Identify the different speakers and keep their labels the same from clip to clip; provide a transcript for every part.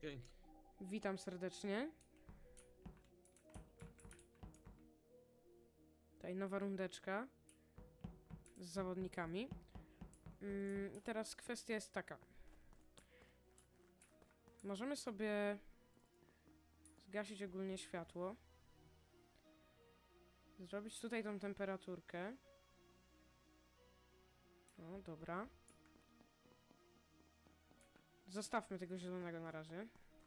Speaker 1: Dzięki.
Speaker 2: Witam serdecznie. Tutaj nowa rundeczka z zawodnikami. Teraz kwestia jest taka. Możemy sobie zgasić ogólnie światło. Zrobić tutaj tą temperaturkę. O, dobra. Zostawmy tego zielonego na razie.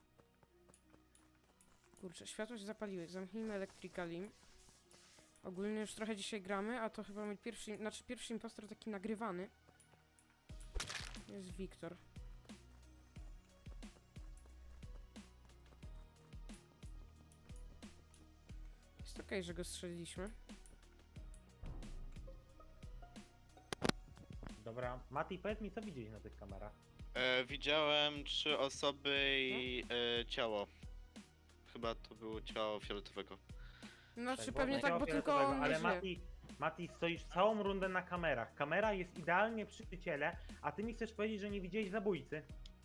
Speaker 2: Kurczę, światło się zapaliły. Zamknijmy Electrically. Ogólnie już trochę dzisiaj gramy, a to chyba mój pierwszy impostor taki nagrywany. Jest Wiktor. Jest okej, że go strzeliliśmy.
Speaker 3: Dobra, Mati, powiedz mi, co widziałeś na tych kamerach?
Speaker 4: Widziałem 3 osoby i ciało. Chyba to było ciało fioletowego.
Speaker 2: Znaczy
Speaker 3: Tak,
Speaker 2: pewnie
Speaker 3: było
Speaker 2: tak, bo
Speaker 3: takiego
Speaker 2: tylko on
Speaker 3: ale
Speaker 2: nie żyje.
Speaker 3: Mati, stoisz całą rundę na kamerach. Kamera jest idealnie przy ciele, a ty mi chcesz powiedzieć, że nie widziałeś zabójcy.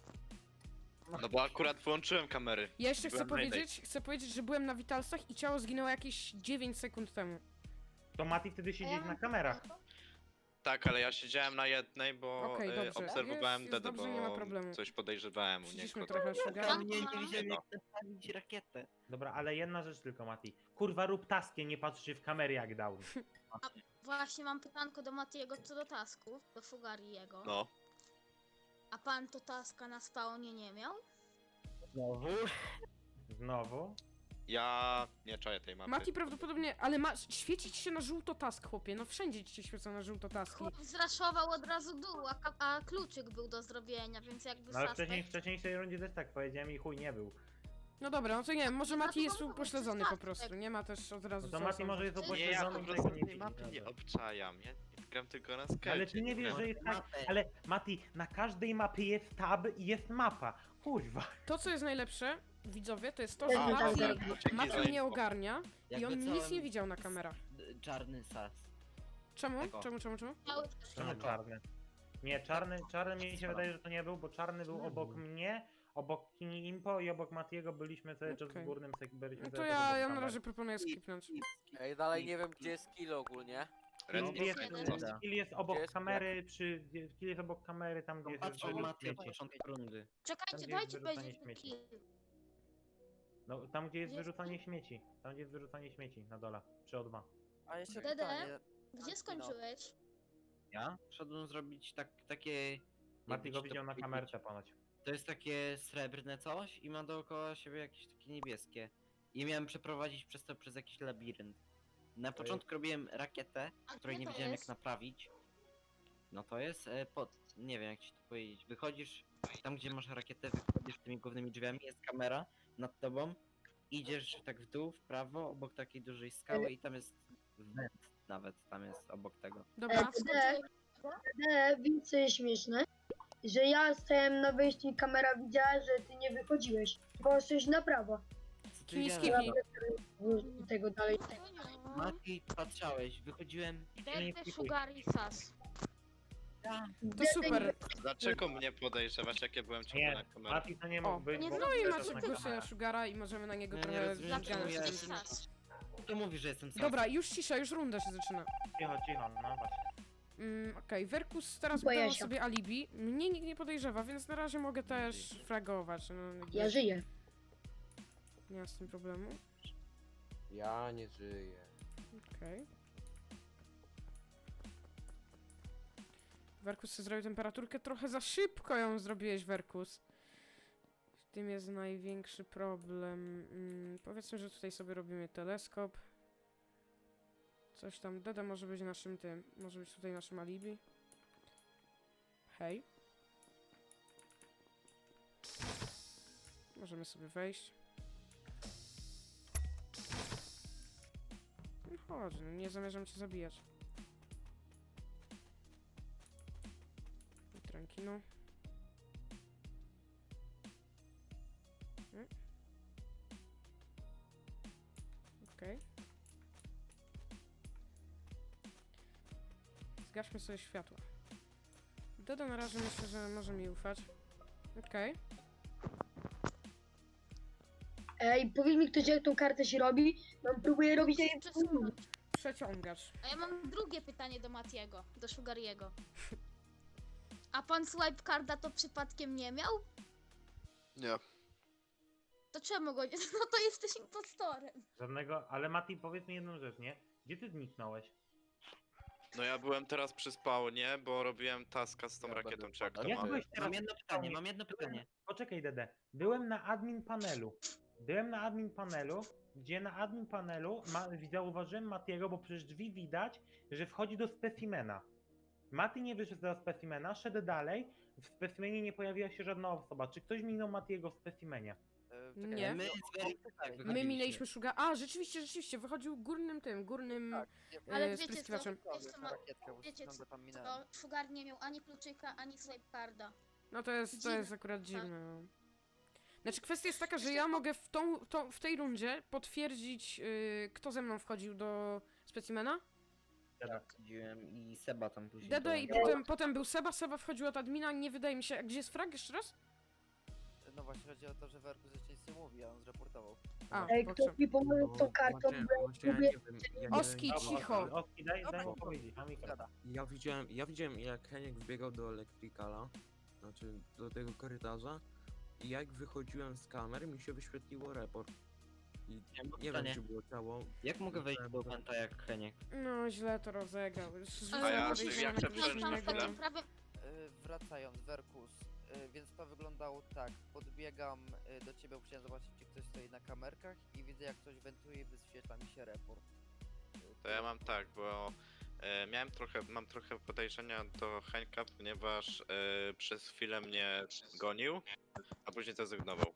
Speaker 4: No bo akurat włączyłem kamery.
Speaker 2: Ja jeszcze chcę
Speaker 4: Byłem na
Speaker 2: powiedzieć, że byłem na Vitalsach i ciało zginęło jakieś 9 sekund temu.
Speaker 3: To Mati wtedy siedzieć na kamerach.
Speaker 4: Tak, ale ja siedziałem na jednej, bo
Speaker 2: Okej, dobrze.
Speaker 4: obserwowałem
Speaker 2: Jest
Speaker 4: Dedę,
Speaker 2: dobrze, nie ma problemu.
Speaker 4: bo coś podejrzewałem u
Speaker 2: Przyciszmy
Speaker 4: niego.
Speaker 2: trochę
Speaker 5: Ja
Speaker 2: Sugar.
Speaker 5: mnie nie widziałem
Speaker 4: No.
Speaker 5: jak naprawić rakietę.
Speaker 3: Dobra, ale jedna rzecz tylko, Mati. Kurwa, rób taskie, nie patrz się w kamery jak dał.
Speaker 6: Właśnie mam pytanko do Matiego co do tasków, do Fugariego.
Speaker 4: No.
Speaker 6: A pan to taska na spawnie nie miał?
Speaker 5: Znowu?
Speaker 3: Znowu?
Speaker 4: Ja nie czaję tej mapy.
Speaker 2: Mati prawdopodobnie, ale świecić się na żółto task, chłopie. No wszędzie ci się świecą na żółto taski.
Speaker 6: Chłop zraszował od razu dół, a kluczyk był do zrobienia, więc jakby
Speaker 3: No ale
Speaker 6: suspect...
Speaker 3: w wcześniejszej rundzie też tak powiedziałem i chuj nie był.
Speaker 2: No dobra, no to nie wiem, może
Speaker 6: No to
Speaker 2: Mati jest
Speaker 6: mogło być
Speaker 2: upośledzony
Speaker 6: tak,
Speaker 2: po prostu. Nie ma też od razu
Speaker 3: No to
Speaker 2: co
Speaker 3: Mati
Speaker 2: osądzać.
Speaker 3: może jest
Speaker 4: Nie, ja
Speaker 3: upośledzony
Speaker 4: po
Speaker 3: i
Speaker 4: prostu
Speaker 3: tego nie
Speaker 4: tej mapy
Speaker 3: widzi.
Speaker 4: nie obczajam. Ja gram tylko na skecie.
Speaker 3: Ale ty nie wiesz, że jest tak. Ale Mati, na każdej mapie jest tab i jest mapa. Kurwa.
Speaker 2: To, co jest najlepsze, widzowie, to jest to, że
Speaker 6: Tak,
Speaker 2: Mati nie ogarnia i
Speaker 5: Jakby
Speaker 2: on nic
Speaker 5: całym-
Speaker 2: nie widział na kamerach.
Speaker 5: Czarny sas.
Speaker 2: Czemu?
Speaker 5: Tego.
Speaker 2: Czemu?
Speaker 6: Miały
Speaker 3: Czemu czarny? Nie, czarny mi się wydaje, że to nie był, bo czarny był obok mnie, obok Kini Impo i obok Matiego byliśmy cały czas
Speaker 2: Okej.
Speaker 3: w górnym byliśmy
Speaker 2: No to
Speaker 3: cały czas
Speaker 2: ja
Speaker 3: obok
Speaker 2: na
Speaker 3: kamer.
Speaker 2: razie proponuję skipnąć.
Speaker 7: Ej, dalej nie wiem gdzie jest kill ogólnie.
Speaker 4: Red
Speaker 3: Kill jest,
Speaker 4: Bull.
Speaker 3: Kill jest obok
Speaker 7: Gdzie jest
Speaker 3: kamery, Kill jest obok kamery, tam gdzie jest
Speaker 5: Patrzę
Speaker 3: wyrzucanie
Speaker 5: Mati od
Speaker 3: śmieci.
Speaker 5: początku rundy.
Speaker 6: Czekajcie,
Speaker 3: Tam, gdzie
Speaker 6: dajcie
Speaker 3: jest wyrzucanie
Speaker 6: powiedzieć
Speaker 3: śmieci.
Speaker 6: kill.
Speaker 3: No, tam gdzie jest
Speaker 6: Jest-
Speaker 3: wyrzucanie śmieci. Tam gdzie jest wyrzucanie śmieci, na dole, przy O2.
Speaker 7: A jeszcze
Speaker 6: Dede?
Speaker 7: pytanie.
Speaker 6: Gdzie skończyłeś?
Speaker 5: Ja? Wszedłem zrobić takie...
Speaker 3: Mati
Speaker 5: jakby
Speaker 3: go
Speaker 5: ci to
Speaker 3: widział na
Speaker 5: powiedzieć.
Speaker 3: kamerce ponoć.
Speaker 5: To jest takie srebrne coś i ma dookoła siebie jakieś takie niebieskie. I miałem przeprowadzić przez to przez jakiś labirynt. Na początku robiłem rakietę,
Speaker 6: A
Speaker 5: której
Speaker 6: gdzie
Speaker 5: nie
Speaker 6: to
Speaker 5: wiedziałem jak
Speaker 6: jest?
Speaker 5: naprawić. No to jest nie wiem jak ci to powiedzieć. Wychodzisz tam gdzie masz rakietę, wychodzisz tymi głównymi drzwiami, jest kamera nad tobą. Idziesz tak w dół, w prawo, obok takiej dużej skały i tam jest węd nawet, tam jest obok tego.
Speaker 2: Dobra,
Speaker 8: Wiesz co jest śmieszne? Że ja stałem na wyjściu i kamera widziała, że ty nie wychodziłeś. Poszłeś na prawo.
Speaker 5: Co ty
Speaker 2: Kini
Speaker 5: widziałem?
Speaker 2: skipnij.
Speaker 8: I tego dalej.
Speaker 5: Mati, patrzałeś, wychodziłem.
Speaker 6: Dede, Fugari, Sas.
Speaker 2: To super.
Speaker 4: Dlaczego mnie podejrzewać, jak ja byłem ciągle na
Speaker 3: Nie,
Speaker 4: kamerach?
Speaker 3: Mati to nie
Speaker 2: O,
Speaker 3: mógł być,
Speaker 6: nie
Speaker 3: bo
Speaker 2: No i
Speaker 3: też
Speaker 2: macie
Speaker 3: na
Speaker 2: głosy na
Speaker 3: kamerach.
Speaker 2: Sugara i możemy na niego
Speaker 5: Nie,
Speaker 2: trochę
Speaker 5: nie rozumiem,
Speaker 6: Dlaczego
Speaker 5: czemu ja
Speaker 2: zgadać.
Speaker 5: jestem-
Speaker 6: Sas?
Speaker 5: Kto mówi, że jestem sam?
Speaker 2: Dobra, już cisza, już runda się zaczyna.
Speaker 3: Cicho, no właśnie.
Speaker 2: Okej, Werkus teraz
Speaker 8: Boję
Speaker 2: wybrał
Speaker 8: się.
Speaker 2: sobie alibi. Mnie nikt nie podejrzewa, więc na razie mogę też fragować. No, jakby
Speaker 8: Ja żyję.
Speaker 2: nie ma z tym problemu.
Speaker 7: Ja nie żyję.
Speaker 2: Okej. Werkus sobie zrobił temperaturkę, trochę za szybko ją zrobiłeś, Werkus. W tym jest największy problem. Powiedzmy, że tutaj sobie robimy teleskop. Coś tam, Deda może być naszym tym, może być tutaj naszym alibi. Hej. Możemy sobie wejść. No chodź, no nie zamierzam cię zabijać. Tranquilo. Okej. Zgaśmy sobie światła. Doda na razie myślę, że może mi ufać. Okej.
Speaker 8: Ej, powiedz mi ktoś, jak tą kartę się robi. No próbuję robić jak
Speaker 6: Przesunąć.
Speaker 2: Przeciągasz.
Speaker 6: A ja mam drugie pytanie do Matiego, do Sugariego. A pan swipe carda to przypadkiem nie miał?
Speaker 4: Nie.
Speaker 6: To czemu go nie... No to jesteś impostorem.
Speaker 3: Żadnego, ale Mati, powiedz mi jedną rzecz, nie? Gdzie ty zniknąłeś?
Speaker 4: No ja byłem teraz przy spawnie, bo robiłem taska z tą rakietą, czy jak to
Speaker 3: Jak
Speaker 4: ma.
Speaker 3: byłeś teraz
Speaker 5: Mam jedno pytanie, mam jedno pytanie.
Speaker 3: Poczekaj, Dede. Byłem na admin panelu. Byłem na admin panelu, gdzie na admin panelu zauważyłem Matiego, bo przez drzwi widać, że wchodzi do specimena. Mati nie wyszedł do specimena, szedł dalej. W specimenie nie pojawiła się żadna osoba. Czy ktoś minął Matiego w specimenie?
Speaker 2: Nie.
Speaker 5: My z Werykiem
Speaker 2: My
Speaker 5: wychodziliśmy.
Speaker 2: minęliśmy Sugar. A, rzeczywiście, wychodził górnym
Speaker 6: Ale wiecie co?
Speaker 2: spryskiwaczem.
Speaker 6: Wiecie co? Wiecie co? To Sugar nie miał ani kluczyka, ani swipe carda.
Speaker 2: No to jest
Speaker 6: Dziwne.
Speaker 2: akurat dziwne. No. Znaczy kwestia jest taka, że ja mogę w tej rundzie potwierdzić, kto ze mną wchodził do specimena.
Speaker 5: Tak, chodziłem i Seba tam później.
Speaker 2: Dedo i
Speaker 5: dołączył.
Speaker 2: potem był Seba wchodził od admina, nie wydaje mi się. A gdzie jest frag jeszcze raz?
Speaker 1: No właśnie chodzi o to, że Werku rzeczywiście nic nie mówi, a on zreportował.
Speaker 2: A,
Speaker 8: Ej,
Speaker 2: pokrzep.
Speaker 8: ktoś mi pomoże z tą kartą, bo ja lubię...
Speaker 2: Oski, cicho.
Speaker 3: Oski, daj mu powiedzieć. Mam mikrofon.
Speaker 1: Zgada.
Speaker 9: Ja widziałem jak Heniek wbiegał do Electricala, znaczy do tego korytarza i jak wychodziłem z kamer mi się wyświetliło report. I
Speaker 5: Ja mam
Speaker 9: nie wiem
Speaker 5: pytanie.
Speaker 9: czy było ciało.
Speaker 5: Jak mogę wejść do Penta jak Heniek?
Speaker 2: No źle to rozegrał.
Speaker 4: A ja
Speaker 2: podejrzenia
Speaker 4: jak
Speaker 2: na
Speaker 4: chcę
Speaker 2: kogoś
Speaker 4: przejść
Speaker 6: Tam
Speaker 4: na
Speaker 6: w
Speaker 2: innego.
Speaker 6: takim prawie...
Speaker 1: Wracając, Werkus, więc to wyglądało tak. Podbiegam do ciebie, bo chciałem zobaczyć, czy ktoś stoi na kamerkach i widzę, jak ktoś wentuje i wyświetla mi się report.
Speaker 4: To ja mam tak, bo mam trochę podejrzenia do Henka, ponieważ przez chwilę mnie gonił, a później zrezygnował.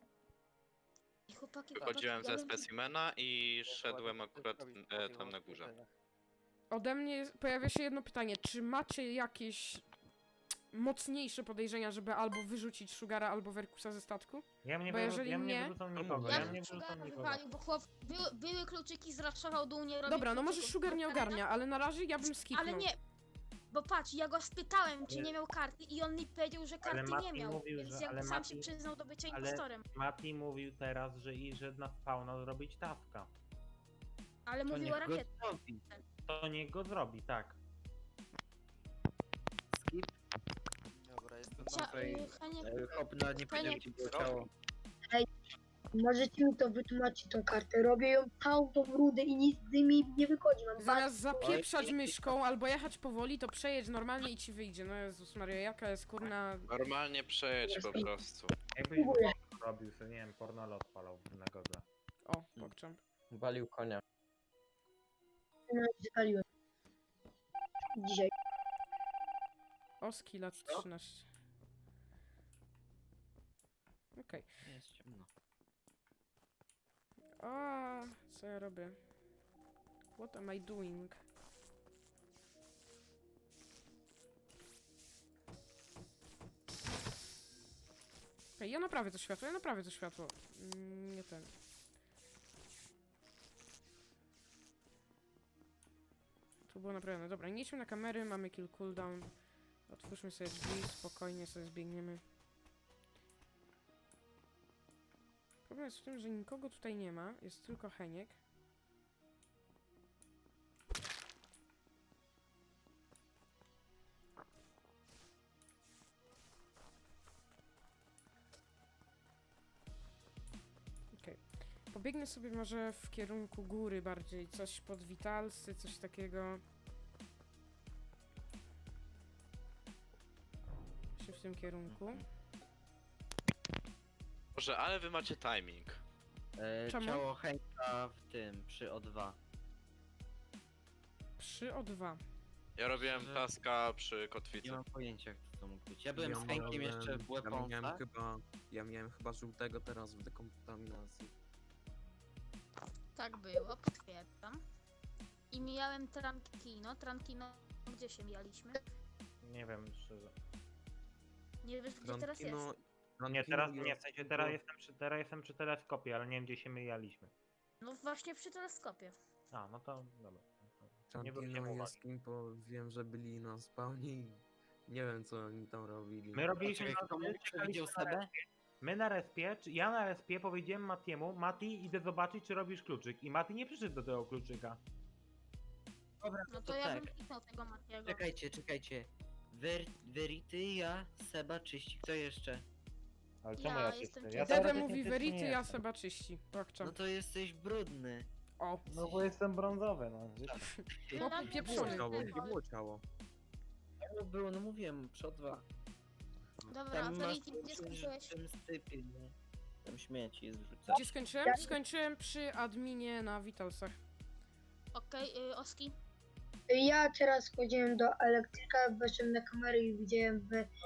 Speaker 6: Chłopaki,
Speaker 4: Wychodziłem ze
Speaker 6: ja
Speaker 4: specimena i szedłem
Speaker 1: Dokładnie,
Speaker 4: akurat
Speaker 1: tylko mi
Speaker 4: tam na
Speaker 1: chodziło
Speaker 4: górze.
Speaker 1: o pytania.
Speaker 2: Ode mnie pojawia się jedno pytanie. Czy macie jakieś mocniejsze podejrzenia, żeby albo wyrzucić Sugara, albo Werkusa ze statku?
Speaker 3: Ja mnie
Speaker 2: Bo jeżeli
Speaker 3: ja mnie
Speaker 2: nie-
Speaker 3: wyrzucą nikogo.
Speaker 6: Ja
Speaker 3: Ja
Speaker 6: bym
Speaker 3: mnie wyrzucą
Speaker 6: Sugara
Speaker 3: nikogo.
Speaker 6: wywalił, bo chłop... Były kluczyki, zraszował dół, nie robił
Speaker 2: Dobra, no może
Speaker 6: kluczyków.
Speaker 2: Sugar nie ogarnia, ale na razie ja bym skipnął.
Speaker 6: Ale nie... Bo patrz, ja go spytałem, czy
Speaker 3: Ale-
Speaker 6: nie miał karty i on mi powiedział, że
Speaker 3: Ale
Speaker 6: karty
Speaker 3: Mati
Speaker 6: nie miał,
Speaker 3: mówił,
Speaker 6: więc
Speaker 3: że-
Speaker 6: jakby
Speaker 3: ale
Speaker 6: sam się
Speaker 3: Mati-
Speaker 6: przyznał do bycia
Speaker 3: ale-
Speaker 6: impostorem.
Speaker 3: Mati mówił teraz, że na spawna zrobić taska.
Speaker 6: Ale
Speaker 5: To
Speaker 6: mówiła
Speaker 5: niech go
Speaker 6: rakieta.
Speaker 5: zrobi.
Speaker 3: To niech go zrobi, tak.
Speaker 5: Skip.
Speaker 1: Dobra, jestem
Speaker 5: Tutaj,
Speaker 6: Heniek,
Speaker 5: Hop nawet nie powiedział, gdzie było ciało.
Speaker 8: Możecie mi to wytłumaczyć, tą kartę. Robię ją całą tą rudę i nic z nimi nie wychodzi. Mam
Speaker 2: Zamiast zapieprzać myszką albo jechać powoli, to przejedź normalnie i ci wyjdzie. No Jezus Maria, jaka jest kurna...
Speaker 4: Normalnie przejedź po prostu.
Speaker 3: Jakbyś
Speaker 8: Próbuję.
Speaker 3: robił sobie, nie wiem, pornolo odpalał na godze.
Speaker 2: O, pokczam.
Speaker 7: Walił konia.
Speaker 8: Zapaliłem. Dzisiaj.
Speaker 2: Oski lat 13. Okej.
Speaker 5: Jest ciemno.
Speaker 2: A, co ja robię? What am I doing? Okej, ja naprawię to światło, nie ten. Tu było naprawione. Dobra, nie idźmy na kamery, mamy kill cooldown. Otwórzmy sobie drzwi, spokojnie sobie zbiegniemy. Problem jest w tym, że nikogo tutaj nie ma, jest tylko Heniek. Okej. Pobiegnę sobie może w kierunku góry bardziej, coś pod Witalsy, coś takiego. Się w tym kierunku.
Speaker 4: Boże, ale wy macie timing.
Speaker 2: Czemu?
Speaker 5: Ciało Henka w tym, przy O2.
Speaker 2: Przy O2.
Speaker 4: Ja robiłem
Speaker 5: Szczerze?
Speaker 4: taska przy
Speaker 5: Nie
Speaker 4: kotwicy.
Speaker 5: mam pojęcia, kto to mógł być. Ja byłem z Henkiem jeszcze w Weaponsach.
Speaker 9: Ja miałem chyba żółtego teraz w dekontaminacji.
Speaker 6: Tak było, potwierdzam. I mijałem Trankino, gdzie się mijaliśmy?
Speaker 3: Nie wiem, szczerze.
Speaker 6: Nie wiesz, gdzie teraz jest.
Speaker 3: Nie, teraz nie, w sensie teraz jestem przy teleskopie, ale nie wiem, gdzie się myjaliśmy.
Speaker 6: No właśnie przy teleskopie.
Speaker 3: A, no to dobra. Nie
Speaker 9: Czantino
Speaker 3: zwróciłem
Speaker 9: i
Speaker 3: uwagi.
Speaker 9: Eskimpo wiem, że byli na spawnie i nie wiem co oni tam robili.
Speaker 3: My robiliśmy
Speaker 5: Czekaj,
Speaker 3: na
Speaker 5: kto
Speaker 3: my
Speaker 5: mógł
Speaker 3: czekaliśmy
Speaker 5: widział
Speaker 3: na
Speaker 5: Sebę?
Speaker 3: respie. My na respie, czy ja na respie powiedziałem Matiemu, Mati, idę zobaczyć, czy robisz kluczyk. I Mati nie przyszedł do tego kluczyka.
Speaker 5: Dobra,
Speaker 6: No to
Speaker 5: to
Speaker 6: ja
Speaker 5: tak.
Speaker 6: bym kliknął tego Matiego.
Speaker 5: Czekajcie. Verity, ja, Seba, czyści. Kto jeszcze?
Speaker 3: Ale
Speaker 6: Ja
Speaker 3: czemu ja
Speaker 6: jestem
Speaker 3: czyszczę? Ja
Speaker 2: Dede
Speaker 3: teoretycznie
Speaker 2: mówi
Speaker 3: czysty
Speaker 2: Verity,
Speaker 3: nie
Speaker 2: ja
Speaker 3: jestem.
Speaker 2: Seba czyści. Bakczam.
Speaker 5: No to jesteś brudny.
Speaker 2: O,
Speaker 3: No bo jestem brązowy, no. Wiecie.
Speaker 6: Ja tam
Speaker 2: pieprzony.
Speaker 9: Było
Speaker 6: jestem
Speaker 9: ciało,
Speaker 6: tego.
Speaker 9: gdzie było ciało?
Speaker 5: Było, no mówiłem, przod 2.
Speaker 6: Dobra,
Speaker 5: Tam masz
Speaker 6: Verity, gdzie skończyłeś?
Speaker 5: w tym stypie, nie? Tam śmieci zrzucać.
Speaker 2: gdzie skończyłem? Skończyłem przy adminie na Vitalsach.
Speaker 6: Okej, Oski?
Speaker 8: Ja teraz chodziłem do elektryka, weszłem na kamerę i widziałem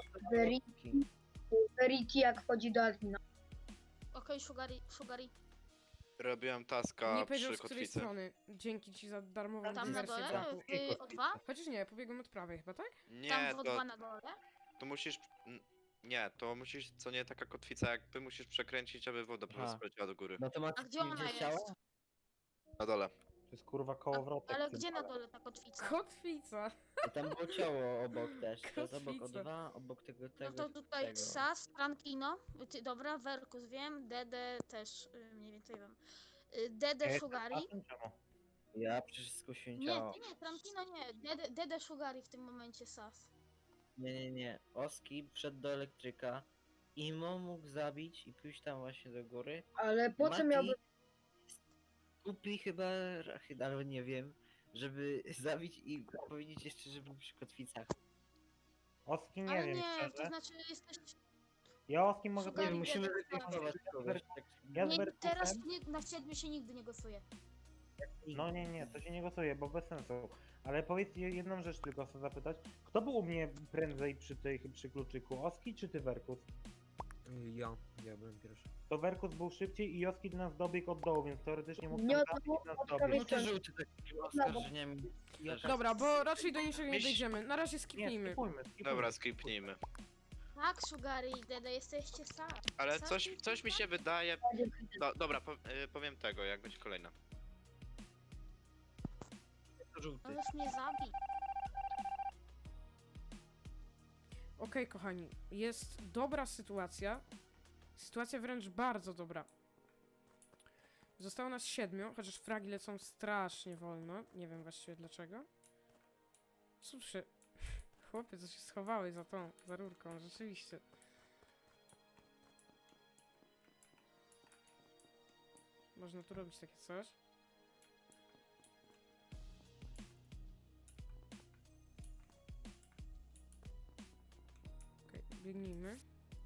Speaker 8: Verity jak chodzi do admina.
Speaker 6: Okej, Sugary.
Speaker 4: Robiłem taska
Speaker 2: Nie powiedział
Speaker 4: przy
Speaker 2: z której
Speaker 4: kotwicy.
Speaker 2: strony. Dzięki ci za darmową
Speaker 6: Tam na
Speaker 2: dywersję,
Speaker 6: dole?
Speaker 2: braku.
Speaker 6: W O2?
Speaker 2: Chociaż nie, pobiegłem od prawej chyba, tak?
Speaker 4: Nie,
Speaker 6: Tam w
Speaker 4: to,
Speaker 6: O2 na dole?
Speaker 4: to musisz... Nie, to musisz, co nie taka kotwica jakby, musisz przekręcić, aby woda po prostu
Speaker 5: Aha.
Speaker 4: poleciała do góry.
Speaker 5: No to
Speaker 6: A
Speaker 5: Mati,
Speaker 6: gdzie ona
Speaker 5: widziałeś
Speaker 6: jest?
Speaker 5: ciało?
Speaker 4: Na dole.
Speaker 3: To jest kurwa kołowrotek.
Speaker 6: Ale
Speaker 3: w tym
Speaker 6: gdzie na
Speaker 3: pale.
Speaker 6: dole ta kotwica?
Speaker 2: Kotwica.
Speaker 5: I tam było ciało obok też. To jest obok
Speaker 2: Kotwica.
Speaker 5: O2, obok tego.
Speaker 6: No to tutaj
Speaker 5: tego.
Speaker 6: Sas, Frankino, dobra, Verkus wiem, Dede też mniej więcej wiem. Dede
Speaker 3: Ja
Speaker 6: Sugary.
Speaker 3: jestem czemu?
Speaker 5: Ja przecież skusiłem
Speaker 6: Nie,
Speaker 5: ciało.
Speaker 6: ty nie, Frankino nie, Dede Sugary w tym momencie Sas.
Speaker 5: Nie. Oski wszedł do elektryka. Imo mógł zabić i pójść tam właśnie do góry.
Speaker 8: Ale po co
Speaker 5: Mati
Speaker 8: miałby...
Speaker 5: kupi chyba rachyd, albo nie wiem, żeby zabić i powiedzieć jeszcze, że był przy kotwicach.
Speaker 3: Oski nie
Speaker 6: Ale
Speaker 3: wiem,
Speaker 6: nie, to
Speaker 3: szczerze.
Speaker 6: znaczy jesteś...
Speaker 3: Ja Oski mogę
Speaker 6: Szukali
Speaker 3: powiedzieć.
Speaker 5: Musimy
Speaker 6: Dede
Speaker 5: wytypować kogoś. Tak.
Speaker 3: Ja z
Speaker 6: Nie,
Speaker 3: Verkusem-
Speaker 6: teraz na 7 się nigdy nie głosuje.
Speaker 3: No nie, to się nie głosuje, bo bez sensu. Ale powiedz jedną rzecz tylko chcę zapytać. Kto był u mnie prędzej przy kluczyku? Oski czy ty, Verkus?
Speaker 9: Ja byłem pierwszy.
Speaker 3: To Verkus był szybciej i Oski do nas dobiegł od dołu, więc teoretycznie mógł
Speaker 8: Nie,
Speaker 3: tam
Speaker 8: to
Speaker 3: zabić
Speaker 8: było
Speaker 3: i nas
Speaker 8: od
Speaker 3: dobić.
Speaker 8: prawej
Speaker 5: No to żółty taki oskarżeniem.
Speaker 2: Dobra, bo raczej do niczego nie
Speaker 4: Miś-
Speaker 2: dojdziemy. Na razie
Speaker 3: Nie,
Speaker 2: skipnijmy.
Speaker 3: skipujmy.
Speaker 4: Dobra, skipnijmy.
Speaker 6: Tak, Sugary i Dede, jesteście Sas.
Speaker 4: Ale
Speaker 6: Sas
Speaker 4: coś,
Speaker 6: jest
Speaker 4: coś mi
Speaker 6: Sas.
Speaker 4: się wydaje... Dobra, powiem tego, jak będzie kolejna.
Speaker 5: To żółty.
Speaker 6: Możesz mnie zabić.
Speaker 2: Okej, kochani, jest dobra sytuacja. Sytuacja wręcz bardzo dobra. Zostało nas 7, chociaż fragi lecą strasznie wolno. Nie wiem właściwie dlaczego. Cóż, chłopie, co się schowałeś za rurką, rzeczywiście. Można tu robić takie coś. Okej, biegnijmy.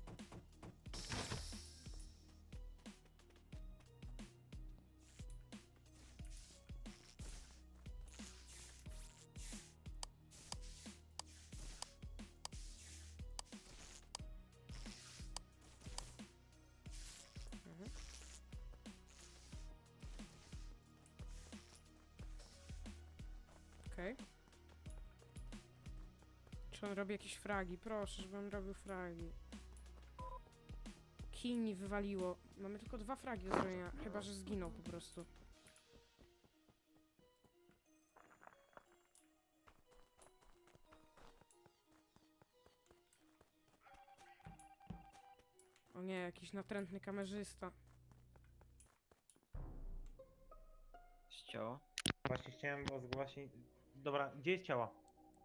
Speaker 2: Mhm. Okej. Czy on robi jakieś fragi? Proszę, żeby on robił fragi. Kij mi wywaliło. Mamy tylko 2 fragi do zrobienia, chyba że zginął po prostu. O nie, jakiś natrętny kamerzysta.
Speaker 5: Ciało.
Speaker 3: Właśnie chciałem zgłosić. Dobra, gdzie jest ciało?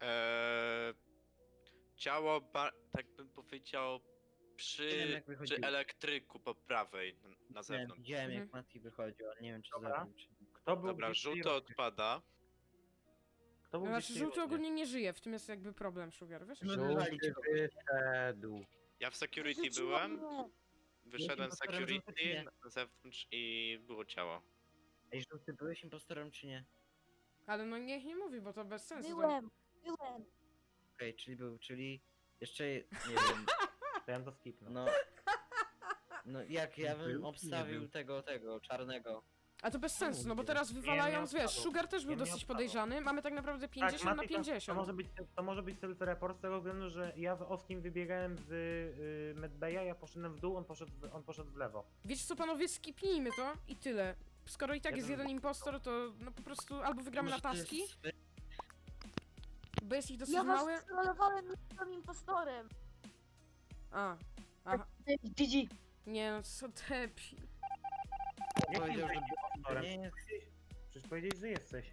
Speaker 4: Ciało, tak bym powiedział,
Speaker 5: Nie wiem, jak
Speaker 4: przy
Speaker 5: wychodziło.
Speaker 4: elektryku po prawej, na zewnątrz.
Speaker 5: Widziałem jak
Speaker 2: Mhm.
Speaker 5: Mati wychodził, ale nie wiem czy
Speaker 3: Dobra.
Speaker 5: zabił czy nie.
Speaker 3: Kto był
Speaker 4: Dobra,
Speaker 3: gdzieś w tej
Speaker 4: żółty
Speaker 3: rundzie?
Speaker 4: odpada.
Speaker 3: Kto był
Speaker 2: No,
Speaker 3: gdzieś w
Speaker 2: znaczy,
Speaker 3: tej
Speaker 2: żółty
Speaker 3: rundzie?
Speaker 2: ogólnie nie żyje, w tym jest jakby problem, Sugar, wiesz?
Speaker 5: No, wywalić go.
Speaker 3: wyszedł.
Speaker 4: Ja w security
Speaker 6: Rzuciło
Speaker 4: byłem,
Speaker 6: mnie.
Speaker 4: wyszedłem z
Speaker 5: impostorem
Speaker 4: security
Speaker 5: żółty,
Speaker 4: na zewnątrz i było ciało.
Speaker 5: Ej, żółty, byłeś impostorem czy nie?
Speaker 2: Ale no niech nie mówi, bo to bez sensu.
Speaker 6: Byłem.
Speaker 5: Okej, czyli był, czyli jeszcze nie wiem,
Speaker 3: To ja to skipnę.
Speaker 5: no jak ja
Speaker 9: Był
Speaker 5: bym
Speaker 9: czy nie
Speaker 5: obstawił
Speaker 9: był?
Speaker 5: tego czarnego.
Speaker 2: A to bez sensu, no bo
Speaker 3: nie
Speaker 2: teraz
Speaker 3: wiem.
Speaker 2: wywalając,
Speaker 3: Nie, nie
Speaker 2: wiesz,
Speaker 3: odpadł.
Speaker 2: Sugar też był
Speaker 3: Nie, nie
Speaker 2: dosyć
Speaker 3: odpadł.
Speaker 2: podejrzany, mamy tak naprawdę 50 na
Speaker 3: Mati, to
Speaker 2: 50.
Speaker 3: może być self-report z tego względu, że ja z Oskim wybiegałem z Medbaya, ja poszedłem w dół, on poszedł w lewo.
Speaker 2: Wiecie co, panowie, skipnijmy to i tyle. Skoro i tak
Speaker 3: Ja
Speaker 2: jest
Speaker 3: bym-
Speaker 2: jeden impostor, to no po prostu albo wygramy na
Speaker 5: Może to
Speaker 2: taski,
Speaker 5: jest-
Speaker 2: bo jest ich dosyć
Speaker 6: Ja
Speaker 2: małe.
Speaker 6: was trollowałem, nie byłem impostorem.
Speaker 2: A, aha.
Speaker 8: GG.
Speaker 2: Nie no, co debil.
Speaker 3: Jak
Speaker 5: Powiedział, że
Speaker 3: jesteś impostorem?
Speaker 5: nie jest.
Speaker 3: Przecież powiedziałeś, że jesteś.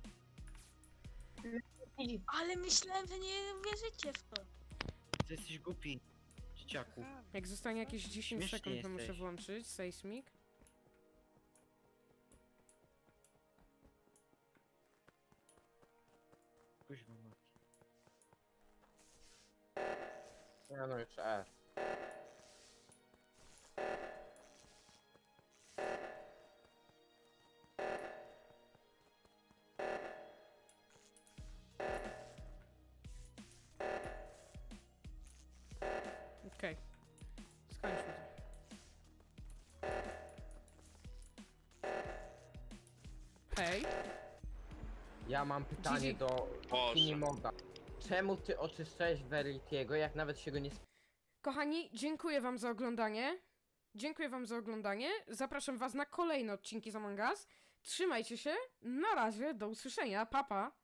Speaker 8: Widzi.
Speaker 6: Ale myślałem, że nie wierzycie w to.
Speaker 5: Ty jesteś głupi, dzieciaku.
Speaker 2: Jak zostanie jakieś 10
Speaker 5: Śmiesznie
Speaker 2: sekund, to muszę
Speaker 5: jesteś.
Speaker 2: włączyć seismik.
Speaker 5: Kuźwa mać.
Speaker 7: Ja no już F.
Speaker 2: Okej. Skończmy to. Hej.
Speaker 7: Ja mam pytanie
Speaker 2: Gigi.
Speaker 7: do
Speaker 4: Boże.
Speaker 7: Kinimoga. Czemu ty oczyszczałeś Veritiego, jak nawet się go nie
Speaker 2: Kochani, dziękuję wam za oglądanie. Dziękuję wam za oglądanie. Zapraszam was na kolejne odcinki z Among Us. Trzymajcie się. Na razie, do usłyszenia. Pa, pa.